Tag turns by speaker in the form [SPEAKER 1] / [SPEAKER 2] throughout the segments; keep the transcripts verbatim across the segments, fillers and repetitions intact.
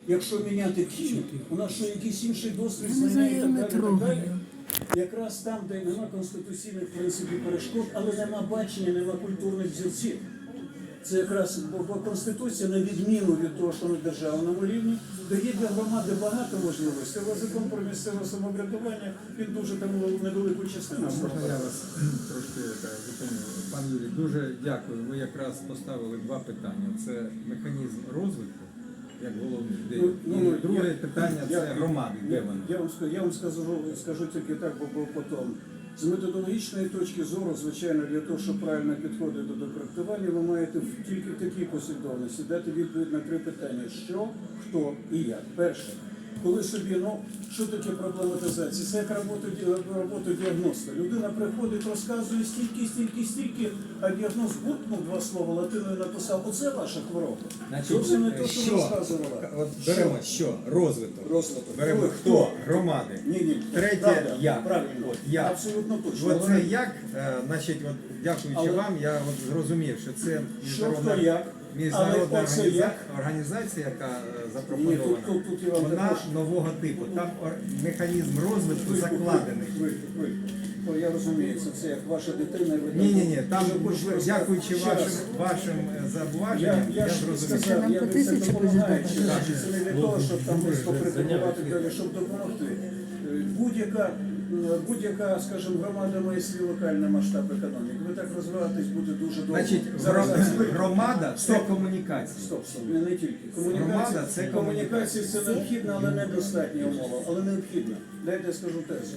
[SPEAKER 1] Якщо міняти Київ, у нас що якийсь інший досвід, знання і так далі, і так далі. Якраз там, де нема конституційних принципів перешкод, але нема бачення, нема культурних взірців. Це якраз бо Конституція, на відміну від того, що на державному рівні, дає для громади багато можливостей. Але закон про місцеве самоврядування, він дуже там невелику частину.
[SPEAKER 2] Можна я вас трошки так, зупиню? Пан Юрій, дуже дякую. Ви якраз поставили два питання. Це механізм розвитку, як головний, де
[SPEAKER 1] Ну, ну,
[SPEAKER 2] і друге
[SPEAKER 1] я-
[SPEAKER 2] питання
[SPEAKER 1] я-
[SPEAKER 2] це громади, де
[SPEAKER 1] Я,
[SPEAKER 2] вони.
[SPEAKER 1] я вам скажу, я вам скажу, скажу тільки так, бо, бо потім. З методологічної точки зору, звичайно, для того, щоб правильно підходити до проектування, ви маєте в- тільки в такій послідовності дати відповідь на три питання: що, хто і як. Перше, коли собі, ну, що таке проблематизація? Це як робота, ді- робота діагноста. Людина приходить, розказує стільки, стільки, стільки, а діагноз буркнув два слова, латиною написав: оце ваша хвороба. Зовсім не те, що ви розказувала.
[SPEAKER 2] От беремо що? Розвиток.
[SPEAKER 1] Розвиток.
[SPEAKER 2] Беремо
[SPEAKER 1] Хто?
[SPEAKER 2] хто? Громади.
[SPEAKER 1] Ні, ні.
[SPEAKER 2] Третє
[SPEAKER 1] Правда,
[SPEAKER 2] як.
[SPEAKER 1] Правильно.
[SPEAKER 2] От, як.
[SPEAKER 1] Абсолютно точно.
[SPEAKER 2] От це
[SPEAKER 1] Але-
[SPEAKER 2] як, е, значить, от, дякуючи
[SPEAKER 1] Але-
[SPEAKER 2] вам, я от зрозумів, що це
[SPEAKER 1] Що,
[SPEAKER 2] міжнародна,
[SPEAKER 1] хто, як.
[SPEAKER 2] міжнародна
[SPEAKER 1] Але оце
[SPEAKER 2] організа-
[SPEAKER 1] як.
[SPEAKER 2] організація, яка е,
[SPEAKER 1] Ні,
[SPEAKER 2] запропонована,
[SPEAKER 1] тут- тут- тут я вам
[SPEAKER 2] вона
[SPEAKER 1] також-
[SPEAKER 2] нового типу. Там ор- механізм розвитку закладений.
[SPEAKER 1] Ви, ви, ви. Ну, я розумію, це, це як ваша дитина. ви
[SPEAKER 2] Ні,
[SPEAKER 1] там-
[SPEAKER 2] ні, ні, там,
[SPEAKER 1] Вже хочете розказати.
[SPEAKER 2] дякуючи
[SPEAKER 1] Ще
[SPEAKER 2] вашим,
[SPEAKER 1] раз.
[SPEAKER 2] вашим е,
[SPEAKER 1] Я,
[SPEAKER 2] зауваженням,
[SPEAKER 1] я
[SPEAKER 2] я
[SPEAKER 1] ж
[SPEAKER 2] зрозумів.
[SPEAKER 1] сказав,
[SPEAKER 3] Нам
[SPEAKER 1] я
[SPEAKER 3] по
[SPEAKER 1] це
[SPEAKER 3] тисячі
[SPEAKER 1] допомагаю,
[SPEAKER 3] буде
[SPEAKER 1] чи це не для того, щоб там десь покритикувати і далі, щоб допомогти. Е, Будь-яка, е, будь-яка, скажімо, громада має свій локальний масштаб економіки. Ви так розвиватись буде дуже довго.
[SPEAKER 2] Значить,
[SPEAKER 1] Зараз-
[SPEAKER 2] гро- громада це
[SPEAKER 1] Стоп.
[SPEAKER 2] комунікація.
[SPEAKER 1] Стоп, стоп, не, не тільки. Комунікація,
[SPEAKER 2] Громада це
[SPEAKER 1] комунікація це необхідна, але недостатня умова, але необхідна. Дайте я скажу тезу.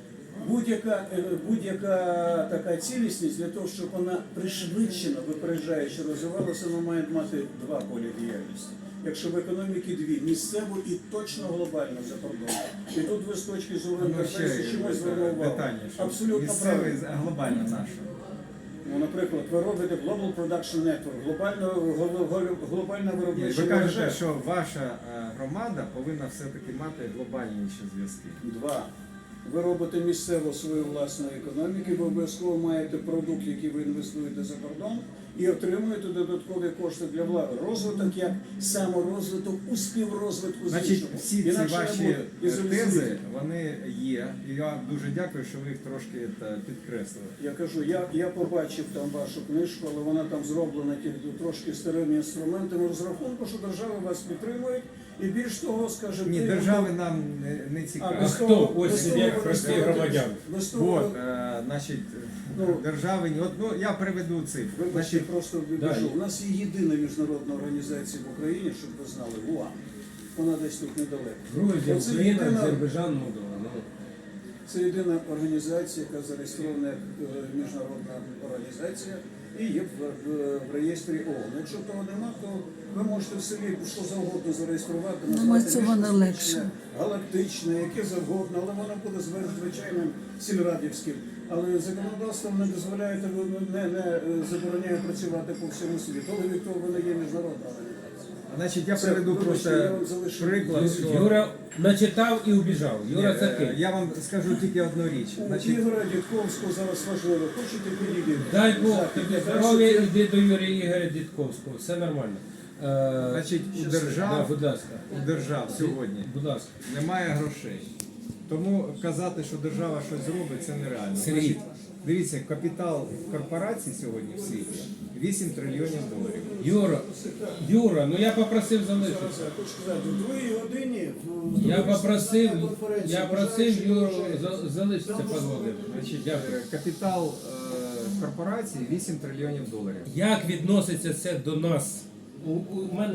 [SPEAKER 1] Будь-яка е, будь-яка така цілісність для того, щоб вона пришвидшено, випереджаючи розвивалася, вона має мати два поля діяльності. Якщо в економіки дві, місцеву і точно глобально за кордоном. І тут ви з точки зору
[SPEAKER 2] Ну,
[SPEAKER 1] інтерфейсу
[SPEAKER 2] ще
[SPEAKER 1] чимось звернув увагу.
[SPEAKER 2] детальніше.
[SPEAKER 1] Абсолютно
[SPEAKER 2] Місцевий,
[SPEAKER 1] правильно.
[SPEAKER 2] а глобально наше.
[SPEAKER 1] Ну, наприклад, ви робите Global Production Network, глобально, гло- гло- глобальна
[SPEAKER 2] Ні,
[SPEAKER 1] виробнича
[SPEAKER 2] ви
[SPEAKER 1] мережа.
[SPEAKER 2] кажете, що ваша е, громада повинна все-таки мати глобальніші зв'язки.
[SPEAKER 1] Два. Ви робите місцево свою власну економіку, ви обов'язково маєте продукт, який ви інвестуєте за кордон, і отримуєте додаткові кошти для влади. Розвиток як саморозвиток у співрозвитку з
[SPEAKER 2] Значить,
[SPEAKER 1] іншими.
[SPEAKER 2] всі ці
[SPEAKER 1] Інакше
[SPEAKER 2] ваші
[SPEAKER 1] не буде. І
[SPEAKER 2] е,
[SPEAKER 1] зрозумійте.
[SPEAKER 2] тези, вони є. І я дуже дякую, що ви їх трошки та, підкреслили.
[SPEAKER 1] Я кажу, я, я побачив там вашу книжку, але вона там зроблена тільки трошки старими інструментами розрахунку, що держава вас підтримує. І більш того, скажімо,
[SPEAKER 2] Ні,
[SPEAKER 1] ти-
[SPEAKER 2] держави нам не, не
[SPEAKER 1] А,
[SPEAKER 2] цікаві.
[SPEAKER 1] без
[SPEAKER 4] хто?
[SPEAKER 1] того-
[SPEAKER 4] Ось
[SPEAKER 1] без того
[SPEAKER 4] як
[SPEAKER 1] ви
[SPEAKER 4] прості
[SPEAKER 1] розказуєте,
[SPEAKER 4] громадяни.
[SPEAKER 1] без того
[SPEAKER 2] От,
[SPEAKER 1] ви-
[SPEAKER 2] е, значить,
[SPEAKER 1] Ну,
[SPEAKER 2] держави, ні- от, ну, я приведу цифру.
[SPEAKER 1] Вибачте,
[SPEAKER 2] Значить,
[SPEAKER 1] просто
[SPEAKER 4] Да.
[SPEAKER 1] відбіжу. У нас є єдина міжнародна організація в Україні, щоб ви знали, ВУА. Вона десь тут недалеко.
[SPEAKER 4] Грузія,
[SPEAKER 1] Оце
[SPEAKER 4] Україна,
[SPEAKER 1] єдина-
[SPEAKER 4] Азербайджан, Молдова. Ну,
[SPEAKER 1] Це єдина організація, яка зареєстрована як е, міжнародна організація і є в, в, в реєстрі ООН. Якщо того нема, то ви можете в селі що завгодно зареєструвати,
[SPEAKER 3] Думаю,
[SPEAKER 1] назвати
[SPEAKER 3] цього не
[SPEAKER 1] міжкосмічне,
[SPEAKER 3] легше.
[SPEAKER 1] галактичне, яке завгодно, але воно буде звер- звичайним сільрадівським. Але законодавством не дозволяє, не, не е, забороняє працювати по всьому світу. Але від того вона є міжнародна організація.
[SPEAKER 2] значить, я
[SPEAKER 1] Це,
[SPEAKER 2] приведу
[SPEAKER 1] вибачте,
[SPEAKER 2] просто
[SPEAKER 1] я вам залишу.
[SPEAKER 2] приклад, що...
[SPEAKER 4] Юра начитав і убіжав.
[SPEAKER 2] Ні,
[SPEAKER 4] Юра це
[SPEAKER 2] е,
[SPEAKER 4] ти.
[SPEAKER 2] я вам скажу тільки одну річ.
[SPEAKER 1] У
[SPEAKER 2] Значить,
[SPEAKER 1] Ігоря Дідковського зараз важливо. Хочете підійти?
[SPEAKER 4] Дай Бог
[SPEAKER 1] Захід,
[SPEAKER 4] тобі
[SPEAKER 1] я
[SPEAKER 4] здоров'я,
[SPEAKER 1] перший-
[SPEAKER 4] йди до Юрія Ігоря Дідковського. Все нормально. Е,
[SPEAKER 2] значить, у
[SPEAKER 4] да,
[SPEAKER 2] держав,
[SPEAKER 4] будь ласка.
[SPEAKER 2] у держав сьогодні
[SPEAKER 4] Будь ласка.
[SPEAKER 2] немає грошей. Тому казати, що держава щось зробить, це нереально.
[SPEAKER 4] Сергій.
[SPEAKER 2] Значить, дивіться, капітал корпорацій сьогодні в світі вісім трильйонів доларів.
[SPEAKER 4] Юра, Юра, ну я попросив залишитися.
[SPEAKER 1] Я хочу сказати, в другій годині в-
[SPEAKER 4] Я попросив,
[SPEAKER 1] на конференції
[SPEAKER 4] я просив
[SPEAKER 1] бажаючих
[SPEAKER 4] Юру
[SPEAKER 1] грошей.
[SPEAKER 4] за- залишитися, пан Володимир.
[SPEAKER 2] Значить,
[SPEAKER 4] Дякую.
[SPEAKER 2] е, капітал е, корпорацій вісім трильйонів доларів.
[SPEAKER 4] Як відноситься це до нас? У, у мене